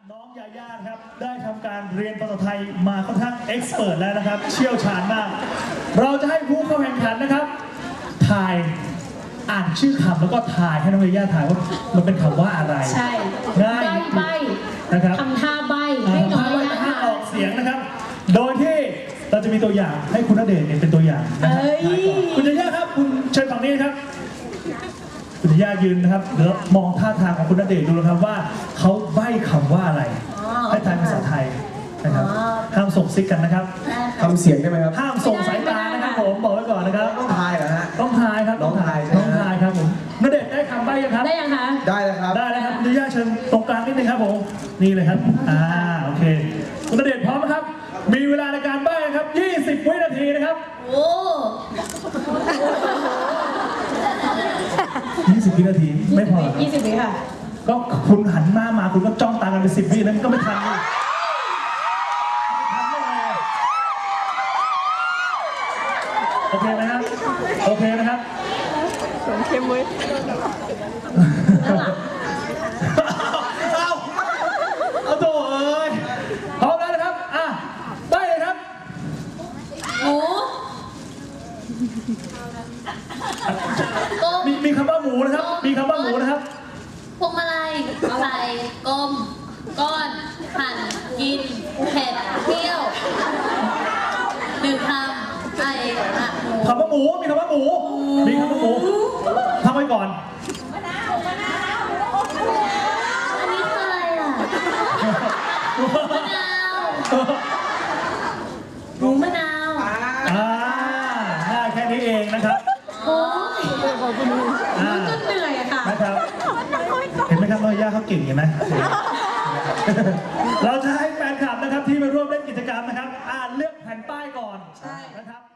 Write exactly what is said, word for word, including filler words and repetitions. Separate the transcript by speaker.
Speaker 1: น้องยาย่าครับได้ทำการเรียนภาษาไทยมาค่อนข้างเอ็กซ์เพิร์ทแล้วนะครับเชี่ยวชาญมากเราจะให้ผู้เข้าแข่งขันนะครับทายอ่านชื่อคำแล้วก็ทายให้น้องยาย่าทายว่ามันเป็นคำว่าอะไร
Speaker 2: ใช่
Speaker 1: ง่าย
Speaker 2: ใบ
Speaker 1: นะครับ
Speaker 2: ทำท่าใบให้น้องยาย่า
Speaker 1: ทายออกเสียงนะครับโดยที่เราจะมีตัวอย่างให้คุณณเดชน์เป็นตัวอย่างนะครับคุณยาย่าครับคุณเชิญฝั่งนี้ครับคุณย่ายืนนะครับเดี๋ยวมองท่าทางของคุณณเดชน์ดูนะครับว่าเขาใบ้คำว่าอะไรให้ทายภาษาไทยนะครับห้ามส่งซิกกันนะครับ
Speaker 3: ทำเสียงได้ไหมครับ
Speaker 1: ห้ามส่งสายตานะครับผมบอกไว้ก่อนนะครับ
Speaker 3: ต้องทายเหรอฮะ
Speaker 1: ต้องทายครับ
Speaker 3: ต้องทาย
Speaker 1: ต้องทายครับผมณเดชน์ได้คำใบ้ยังครับ
Speaker 2: ได้ยังคะ
Speaker 3: ได้แล้วครับ
Speaker 1: ได้แล้วครับคุณย่าเชิญตรงกลางนิดนึงครับผมนี่เลยครับอ่าโอเคคุณณเดชน์พร้อมไหมครับมีเวลาในการใบ้ครับยี่สิบวินาทีนะครับ
Speaker 2: โอ้
Speaker 1: ยี่สิบวินาทีไม่พอ
Speaker 2: ยี่สิบวิค่ะ
Speaker 1: ก็คุณหันหน้ามาคุณก็จ้องตากันเป็นสิบวินั้นก็ไม่ทันเลยโอเคไหมครับโอเคนะครับ
Speaker 4: สมเข้มเว้ย
Speaker 1: เอาเอาโถ่เอ้ยพร้อมแล้วนะครับอ่ะได้เลยครับ
Speaker 2: หมู
Speaker 1: มีมีคำว่าหมูนะครับมีคำว่าหมูนะครับ
Speaker 5: พวงมาลัยใส่กลมก้อนหั่นกินเผ็ดเที่ยวหนึ่งคำไอ้อะ
Speaker 1: คำว่าหมูมีคำว่าหมูมีคำว่าหมูทำไว้ก่อน
Speaker 5: อันนี้คืออะไรอ่ะมะนาวหมูมะนาว
Speaker 1: อ่าง่ายแค่นี้เองนะครับ
Speaker 2: โอ้ย
Speaker 1: อ่า
Speaker 2: มันก็เหนื่อยอะค่ะ
Speaker 1: นะครับเห็นไหมครับน้อยย่าเขาเก่งเห็นไหมเราจะให้แฟนคลับนะครับที่มาร่วมเล่นกิจกรรมนะครับอ่านเลือกแผ่นป้ายก่อนนะครับ